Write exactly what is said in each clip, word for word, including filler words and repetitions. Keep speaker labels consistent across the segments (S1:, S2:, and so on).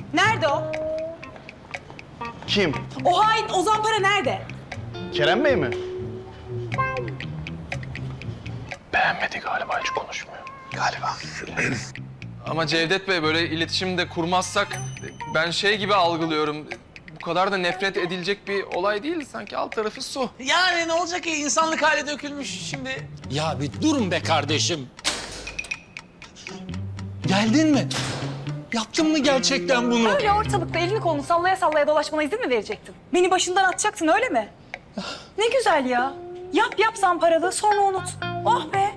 S1: Nerede o?
S2: Kim?
S1: O hain Ozan Para nerede?
S2: Kerem Bey mi?
S3: Beğenmedi galiba, hiç konuşmuyor.
S2: Galiba.
S3: Ama Cevdet Bey, böyle iletişim de kurmazsak ben şey gibi algılıyorum. Bu kadar da nefret edilecek bir olay değil. Sanki alt tarafı su.
S4: Yani ne olacak ki? İnsanlık hali dökülmüş şimdi.
S5: Ya bir durun be kardeşim. Geldin mi? Yaptın mı gerçekten bunu?
S1: Öyle ortalıkta elini kolunu sallaya sallaya dolaşmana izin mi verecektin? Beni başından atacaktın öyle mi? Ne güzel ya. Yap yap zamparalığı sonra unut. Oh be.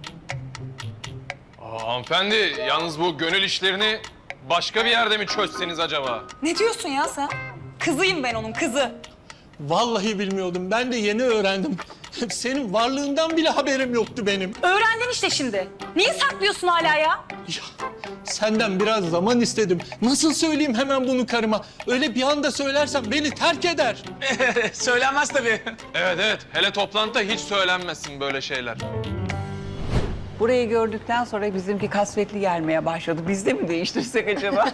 S3: Aa, hanımefendi, yalnız bu gönül işlerini başka bir yerde mi çözseniz acaba?
S1: Ne diyorsun ya sen? Kızıyım ben onun kızı.
S5: Vallahi bilmiyordum. Ben de yeni öğrendim. Senin varlığından bile haberim yoktu benim.
S1: Öğrendin işte şimdi. Niye saklıyorsun hala ya?
S5: Ya, senden biraz zaman istedim. Nasıl söyleyeyim hemen bunu karıma? Öyle bir anda söylersem beni terk eder.
S4: Söylenmez tabii.
S3: Evet evet, hele toplantıda hiç söylenmesin böyle şeyler.
S6: Burayı gördükten sonra bizimki kasvetli gelmeye başladı. Biz de mi değiştirsek acaba?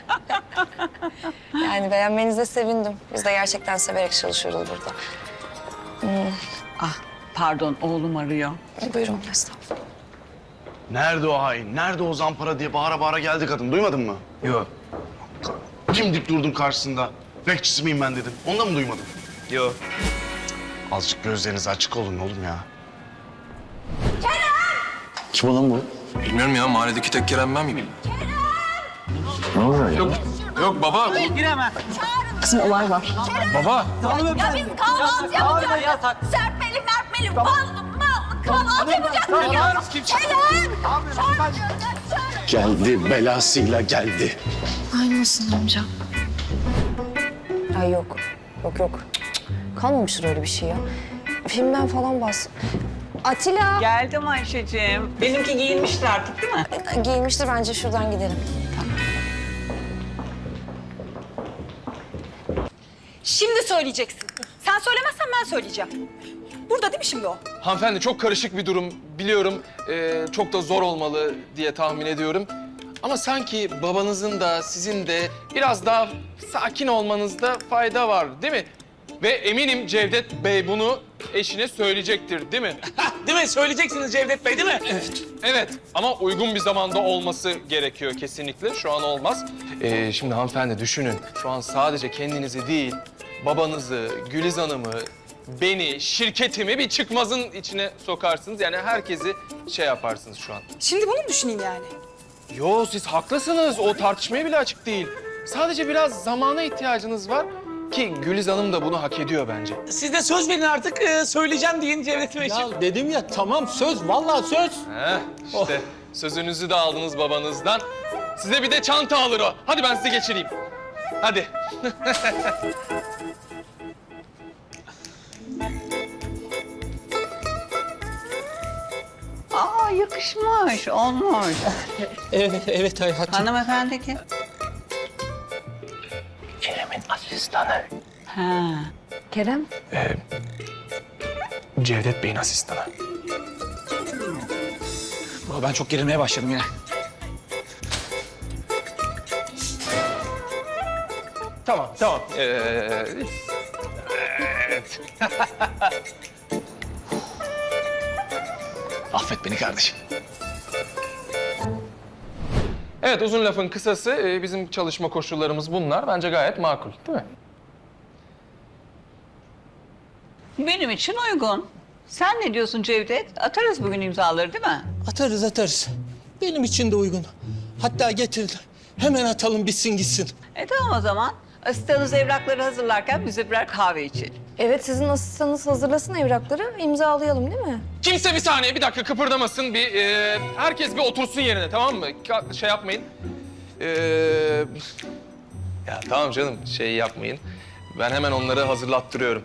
S7: Yani beğenmenize sevindim. Biz de gerçekten severek çalışıyoruz burada.
S6: Ah pardon, oğlum arıyor.
S7: Buyurun estağfurullah.
S2: Nerede o hain? Nerede o zampara diye bağıra bağıra geldi kadın. Duymadın mı?
S3: Yok.
S2: Dimdik durdum karşısında. Bekçisi miyim ben dedim. Onu da mı duymadın?
S3: Yok.
S2: Azıcık gözleriniz açık olun oğlum ya. Kerem! Kim olan bu?
S3: Bilmiyorum ya, mahalledeki tek Kerem ben miyim? Ne oluyor ya? Yok, yok baba.
S7: Kızım olay var.
S3: Baba.
S8: Ya biz kahvaltı yapacağız. Serpmeli mertmeli ballı mallı kahvaltı yapacağız ya. Kerem!
S2: Geldi, belasıyla geldi.
S7: Aynı olsun amca. Ay yok. Yok yok. Cık, kalmamıştır öyle bir şey ya. Filmden falan bahs... Atilla!
S6: Geldim Ayşe'cim. Benimki giyinmiştir artık değil mi?
S7: Giyinmiştir bence şuradan gidelim.
S1: Şimdi söyleyeceksin. Sen söylemezsen ben söyleyeceğim. Burada değil mi şimdi o?
S3: Hanımefendi, çok karışık bir durum. Biliyorum, ee, çok da zor olmalı diye tahmin ediyorum. Ama sanki babanızın da sizin de biraz daha sakin olmanızda fayda var, değil mi? Ve eminim Cevdet Bey bunu eşine söyleyecektir, değil mi?
S4: Hah, değil mi? Söyleyeceksiniz Cevdet Bey, değil mi?
S3: Evet. Evet, ama uygun bir zamanda olması gerekiyor kesinlikle. Şu an olmaz. Ee, şimdi hanımefendi düşünün. Şu an sadece kendinizi değil, babanızı, Güliz Hanım'ı, beni, şirketimi bir çıkmazın içine sokarsınız. Yani herkesi şey yaparsınız şu an.
S1: Şimdi bunu mu düşüneyim yani?
S3: Yo, siz haklısınız. O tartışmaya bile açık değil. Sadece biraz zamana ihtiyacınız var ki Güliz Hanım da bunu hak ediyor bence.
S4: Siz de söz verin artık. e, söyleyeceğim deyin Cevdet Beyciğim.
S5: Ya dedim ya tamam söz, vallahi söz.
S3: Heh, işte sözünüzü de aldınız babanızdan. Size bir de çanta alır o. Hadi ben sizi geçireyim. Hadi.
S6: Aa yakışmış, olmuş.
S5: Evet, evet hayatım.
S6: Hanımefendi kim?
S3: Kerem'in asistanı.
S6: Ha.
S7: Kerem?
S3: Cevdet Bey'in asistanı.
S4: Baba, ben çok gerilmeye başladım yine.
S3: Tamam, tamam. Ee, evet.
S4: Affet beni kardeşim.
S3: Evet, uzun lafın kısası e, bizim çalışma koşullarımız bunlar. Bence gayet makul, değil mi?
S6: Benim için uygun. Sen ne diyorsun Cevdet? Atarız bugün imzaları değil mi?
S5: Atarız atarız. Benim için de uygun. Hatta getir. Hemen atalım bitsin gitsin.
S6: E tamam o zaman. Asistanınız evrakları hazırlarken bize birer kahve içelim.
S7: Evet sizin asistanınız hazırlasın evrakları. İmzalayalım değil mi?
S3: Kimse bir saniye, bir dakika kıpırdamasın. Bir e, herkes bir otursun yerine, tamam mı? Ka- Şey yapmayın. Ee, ya tamam canım, şey yapmayın. Ben hemen onları hazırlattırıyorum.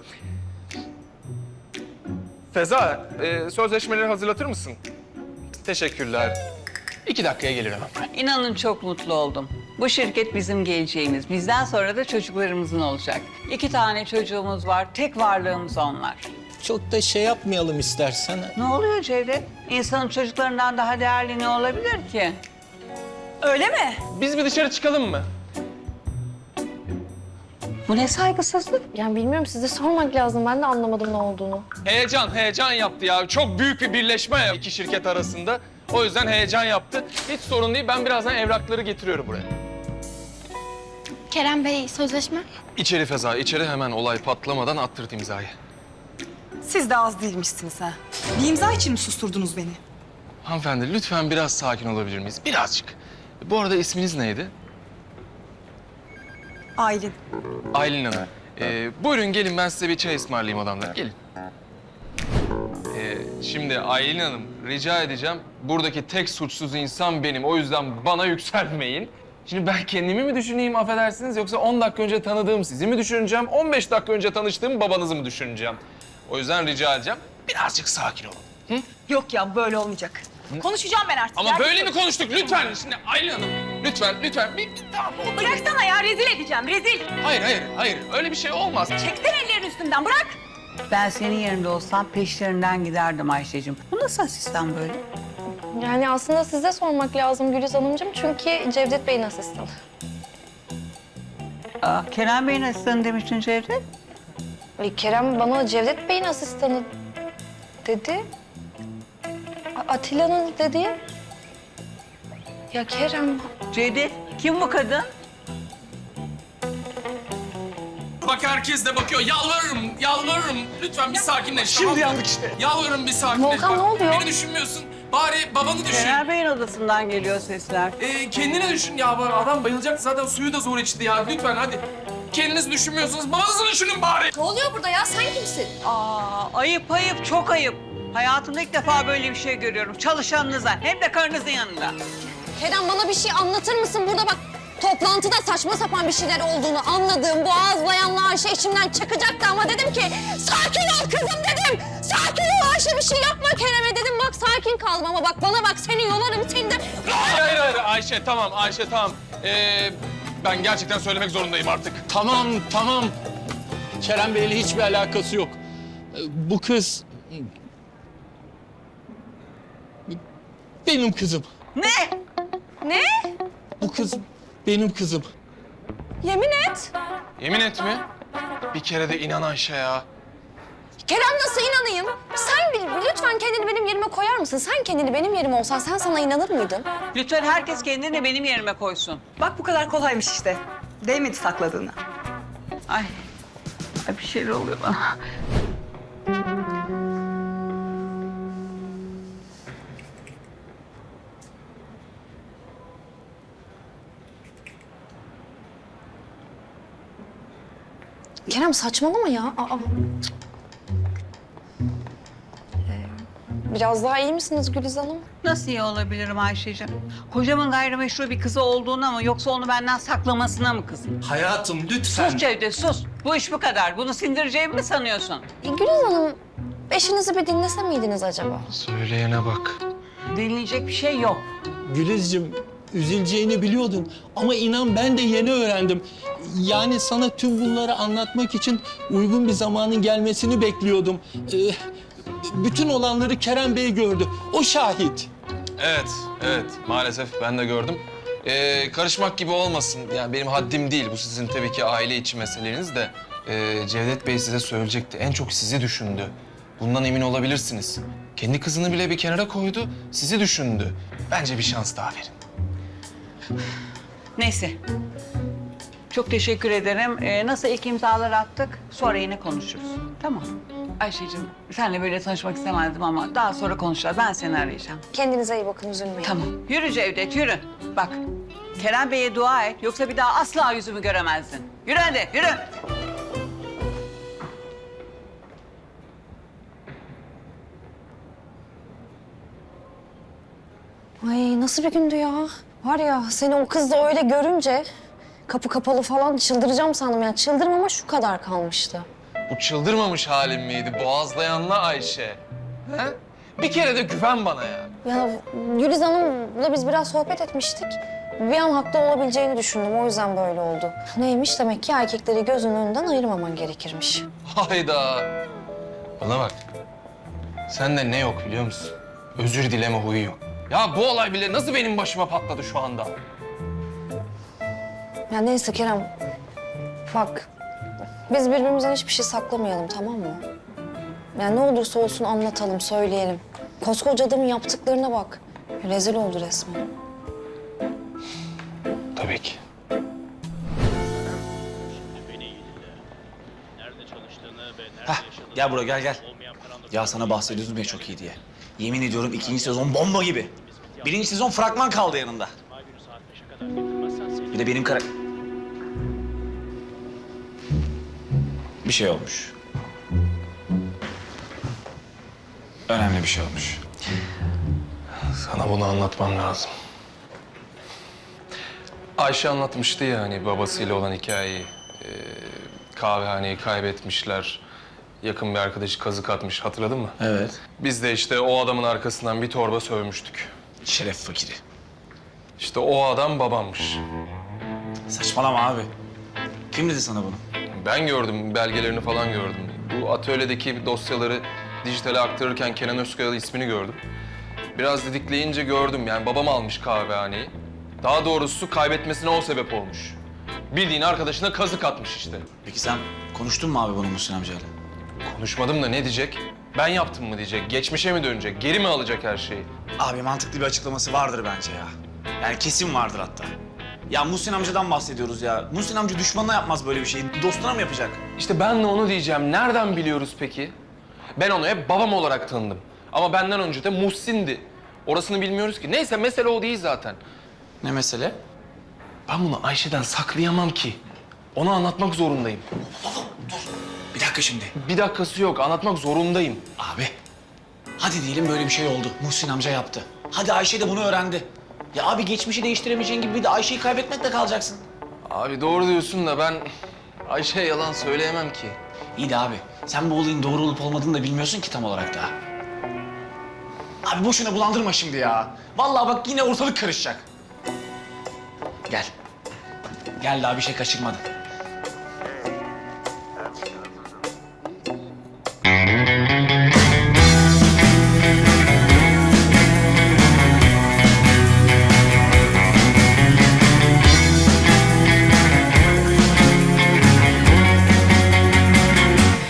S3: Feza, e, sözleşmeleri hazırlatır mısın? Teşekkürler. İki dakikaya gelirim hemen.
S6: İnanın çok mutlu oldum. Bu şirket bizim geleceğimiz. Bizden sonra da çocuklarımızın olacak. İki tane çocuğumuz var. Tek varlığımız onlar.
S5: Çok da şey yapmayalım istersen.
S6: Ne oluyor Cevdet? İnsanın çocuklarından daha değerli ne olabilir ki?
S1: Öyle mi?
S3: Biz bir dışarı çıkalım mı?
S6: Bu ne saygısızlık?
S7: Yani bilmiyorum, size sormak lazım. Ben de anlamadım ne olduğunu.
S3: Heyecan, heyecan yaptı ya. Çok büyük bir birleşme ya iki şirket arasında. O yüzden heyecan yaptı. Hiç sorun değil. Ben birazdan evrakları getiriyorum buraya.
S8: Kerem Bey, sözleşme.
S3: İçeri Feza, içeri hemen olay patlamadan attırt imzayı.
S1: Siz de az değilmişsiniz ha. Bir imza için mi susturdunuz beni?
S3: Hanımefendi lütfen biraz sakin olabilir miyiz? Birazcık. Bu arada isminiz neydi?
S1: Aylin.
S3: Aylin Hanım. Ee, buyurun gelin ben size bir çay ısmarlayayım odamda. Gelin. Ee, şimdi Aylin Hanım rica edeceğim. Buradaki tek suçsuz insan benim. O yüzden bana yükselmeyin. Şimdi ben kendimi mi düşüneyim affedersiniz yoksa on dakika önce tanıdığım sizi mi düşüneceğim? on beş dakika önce tanıştığım babanızı mı düşüneceğim? O yüzden rica edeceğim. Birazcık sakin olun.
S1: Yok ya, böyle olmayacak. Konuşacağım ben artık.
S3: Ama
S1: ya.
S3: böyle mi konuştuk? Lütfen. Şimdi Aylin Hanım lütfen lütfen bir, bir tamam.
S1: Bıraksana ya, rezil edeceğim, rezil.
S3: Hayır hayır hayır öyle bir şey olmaz.
S1: Çektin ellerin üstünden, bırak.
S6: Ben senin yerinde olsam peşlerinden giderdim Ayşe'cim. Bu nasıl asistan böyle?
S7: Yani aslında size sormak lazım Güliz Hanımcığım. Çünkü Cevdet Bey'in asistanı.
S6: Aa, Kerem Bey'in asistanı demiştin Cevdet.
S7: E, Kerem bana Cevdet Bey'in asistanı dedi. A- Atilla'nın dedi. Ya Kerem...
S6: Cevdet, kim bu kadın?
S3: Bak herkes de bakıyor. Yalvarırım, yalvarırım. Lütfen bir sakinleş.
S4: Şimdi
S3: tamam mı?
S4: yandık işte.
S3: Yalvarırım bir sakinleş.
S7: Volkan,
S3: Bak,
S7: ne oluyor?
S3: Beni düşünmüyorsun. Bari babanı düşün.
S6: Kerem Bey'in odasından geliyor sesler.
S3: Ee, kendini düşün ya. Bak, adam bayılacak zaten suyu da zor içti ya. Lütfen hadi. Kendiniz düşünmüyorsunuz. Babanızı düşünün bari.
S8: Ne oluyor burada ya? Sen kimsin?
S6: Aa, ayıp ayıp, çok ayıp. Hayatımda ilk defa böyle bir şey görüyorum. Çalışanınıza, hem de karınızın yanında.
S7: Kerem bana bir şey anlatır mısın? Burada bak toplantıda saçma sapan bir şeyler olduğunu anladığım boğazlayanla Ayşe içimden çıkacaktı ama dedim ki sakin ol kızım dedim. Sakin ol Ayşe, bir şey yapma Kerem'e dedim. Bak sakin kaldım ama bak bana bak, seni yolarım seni de.
S3: Hayır hayır hayır. Ayşe tamam Ayşe tamam. Ee, ben gerçekten söylemek zorundayım artık.
S5: Tamam, tamam. Kerem Bey'le hiçbir alakası yok. Ee, Bu kız... Benim kızım.
S6: Ne?
S7: Ne?
S5: Bu kız benim kızım.
S7: Yemin et.
S3: Yemin et mi? Bir kere de inan Ayşe ya.
S7: Kerem nasıl inanayım? Sen bir, lütfen kendini benim yerime koyar mısın? Sen kendini benim yerime olsan sen sana inanır mıydın?
S6: Lütfen herkes kendini benim yerime koysun.
S1: Bak bu kadar kolaymış işte. Değmedi sakladığına.
S6: Ay, ay bir şeyler oluyor bana.
S7: Kerem saçmalama ya. Aa. Ee, Biraz daha iyi misiniz Güliz Hanım?
S6: Nasıl iyi olabilirim Ayşe'cim? Kocamın gayrimeşru bir kızı olduğuna mı yoksa onu benden saklamasına mı kızım?
S5: Hayatım lütfen.
S6: Sus Cevdet sus. Bu iş bu kadar. Bunu sindireceğimi mi sanıyorsun?
S7: E, Güliz Hanım, eşinizi bir dinlese miydiniz acaba?
S3: Söyleyene bak.
S6: Dinleyecek bir şey yok.
S5: Gülizciğim, üzüleceğini biliyordum ama inan ben de yeni öğrendim. Yani sana tüm bunları anlatmak için uygun bir zamanın gelmesini bekliyordum. Ee, bütün olanları Kerem Bey gördü. O şahit.
S3: Evet, evet. Maalesef ben de gördüm. Ee, karışmak gibi olmasın. Yani benim haddim değil. Bu sizin tabii ki aile içi meseleniz de. Ee, Cevdet Bey size söyleyecekti. En çok sizi düşündü. Bundan emin olabilirsiniz. Kendi kızını bile bir kenara koydu. Sizi düşündü. Bence bir şans daha verin.
S6: Neyse. Çok teşekkür ederim. Ee, nasıl ilk imzaları attık? Sonra yine konuşuruz. Tamam. Ayşe'cim seninle böyle tanışmak istemezdim ama daha sonra konuşacağız. Ben seni arayacağım.
S7: Kendinize iyi bakın, üzülmeyin.
S6: Tamam. Yürü Cevdet, yürü. Bak, Kerem Bey'e dua et. Yoksa bir daha asla yüzümü göremezdin. Yürü hadi, yürü.
S7: Ay nasıl bir gündü ya? Var ya seni o kızla öyle görünce kapı kapalı falan çıldıracağım sandım. Yani çıldırmama şu kadar kalmıştı.
S3: Bu çıldırmamış halim miydi? Boğazlayanla Ayşe. He? Bir kere de güven bana ya.
S7: Ya Güliz Hanım'la biz biraz sohbet etmiştik. Bir an haklı olabileceğini düşündüm. O yüzden böyle oldu. Neymiş demek ki erkekleri gözünün önünden ayırmaman gerekirmiş.
S3: Hayda. Bana bak. Sende ne yok biliyor musun? Özür dileme huyu yok. Ya bu olay bile nasıl benim başıma patladı şu anda?
S7: Ya neyse Kerem. Bak Biz birbirimizden hiçbir şey saklamayalım, tamam mı? Yani ne olursa olsun anlatalım, söyleyelim. Koskoca adamın yaptıklarına bak. Rezil oldu resmen.
S3: Tabii ki.
S4: Heh, gel buraya gel gel. Ya sana bahsediyordum ya çok iyi diye. Yemin ediyorum ikinci sezon bomba gibi. Birinci sezon fragman kaldı yanında. Bir de benim kara... Bir şey olmuş. Önemli bir şey olmuş.
S3: Sana bunu anlatmam lazım. Ayşe anlatmıştı ya hani babasıyla olan hikayeyi. Ee, kahvehaneyi kaybetmişler. Yakın bir arkadaşı kazık atmış. Hatırladın mı?
S4: Evet.
S3: Biz de işte o adamın arkasından bir torba sövmüştük.
S4: Şeref fakiri.
S3: İşte o adam babammış.
S4: Saçmalama abi. Kim dedi sana bunu?
S3: Ben gördüm, belgelerini falan gördüm. Bu atölyedeki dosyaları dijitale aktarırken Kenan Özkayalı ismini gördüm. Biraz didikleyince gördüm yani babam almış kahvehaneyi. Daha doğrusu kaybetmesine o sebep olmuş. Bildiğin arkadaşına kazık atmış işte.
S4: Peki sen konuştun mu abi bunu Muhsin amcayla?
S3: Konuşmadım da ne diyecek? Ben yaptım mı diyecek, geçmişe mi dönecek, geri mi alacak her şeyi?
S4: Abi mantıklı bir açıklaması vardır bence ya. Yani kesin vardır hatta. Ya Muhsin amcadan bahsediyoruz ya. Muhsin amca düşmanına yapmaz böyle bir şeyi. Dostuna mı yapacak?
S3: İşte ben de onu diyeceğim. Nereden biliyoruz peki? Ben onu hep babam olarak tanıdım. Ama benden önce de Muhsin'di. Orasını bilmiyoruz ki. Neyse mesele o değil zaten.
S4: Ne mesele?
S3: Ben bunu Ayşe'den saklayamam ki. Ona anlatmak zorundayım.
S4: Bir dakika şimdi.
S3: Bir dakikası yok. Anlatmak zorundayım.
S4: Abi, hadi diyelim böyle bir şey oldu. Muhsin amca yaptı. Hadi Ayşe de bunu öğrendi. Ya abi geçmişi değiştiremeyeceğin gibi bir de Ayşe'yi kaybetmekle kalacaksın.
S3: Abi doğru diyorsun da ben Ayşe'ye yalan söyleyemem ki.
S4: İyi de abi, sen bu olayın doğru olup olmadığını da bilmiyorsun ki tam olarak daha. Abi boşuna bulandırma şimdi ya. Vallahi bak yine ortalık karışacak. Gel. Gel daha bir şey kaçırmadı.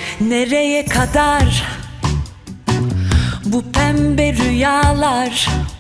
S9: Nereye kadar bu pembe rüyalar?